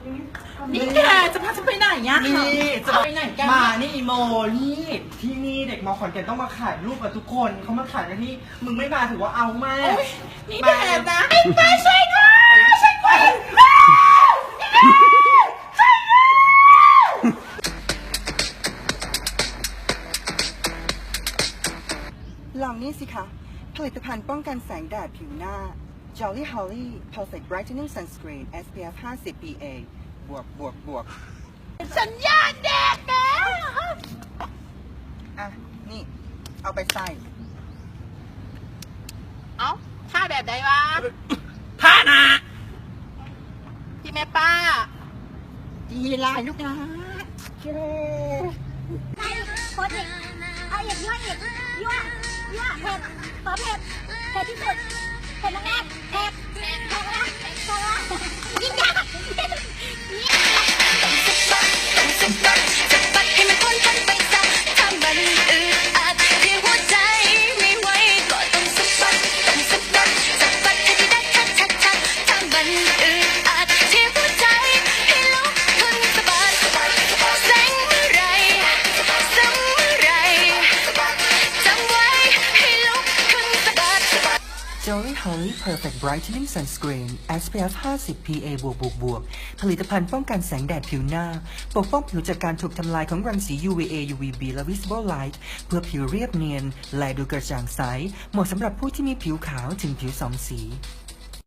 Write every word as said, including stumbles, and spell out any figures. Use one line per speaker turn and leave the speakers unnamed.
นี่แกจะพาฉันไปไหนเนี่ย
นี่จะ
ไปไหนกัน
มานี่อีโมนี่ที่นี่เด็กมอขอนแก่นต้องมาถ่ายรูปกับทุกคนเขามาถ่ายกันที่มึงไม่มาถือว่าเอามาก
โอ๊ยนี่แดดนะไปช่วยด้วยช่วยด้วย
ลองนี่สิคะ ผลิตภัณฑ์ป้องกันแสงแดดผิวหน้า Jolly Holly Perfect Brightening Sunscreen เอส พี เอฟ ห้าสิบ พี เอ บวกบวกบวก
สัญญาณแดดแล้ว
อ่ะ นี่ เอาไปใส่
เอ้าท่าแบบใดวะ
ท่านะ
พี่แม่ป้า
ดีลายลูกนะเย้
โคตรเผ็ดเอาอีกยั่วอีกยั่วยั่วเผ็ดขอเผ็ดเผ็ดที่สุดเผ็ดมากๆเผ็ดเผ็ดมากๆเผ็ดมากๆยิ่งยากให้มันพ้นพ้นไปซะถ้ามันอึดอัดที่หัวใจไม่ไหวก็ต้องสะบัดต้องสะบัดสะบัดให้ได้ชัดชัดชัดถ้ามันอึดอัดที่หัวใจให้ลุกขึ้นสะบัดแสงเมื่อไรซ้ำเมื่อไรจำไว้ให้ลุกขึ้นสะบัด
Jolly Holly Perfect Brightening Sunscreen เอส พี เอฟ ห้าสิบ พี เอ บวกบวกบวกผลิตภัณฑ์ป้องกันแสงแดดผิวหน้า ปกป้องผิวจากการถูกทำลายของรังสี ยู วี เอ ยู วี บี และ Visible Light เพื่อผิวเรียบเนียน และดูกระจ่างใส เหมาะสำหรับผู้ที่มีผิวขาวถึงผิวสองสี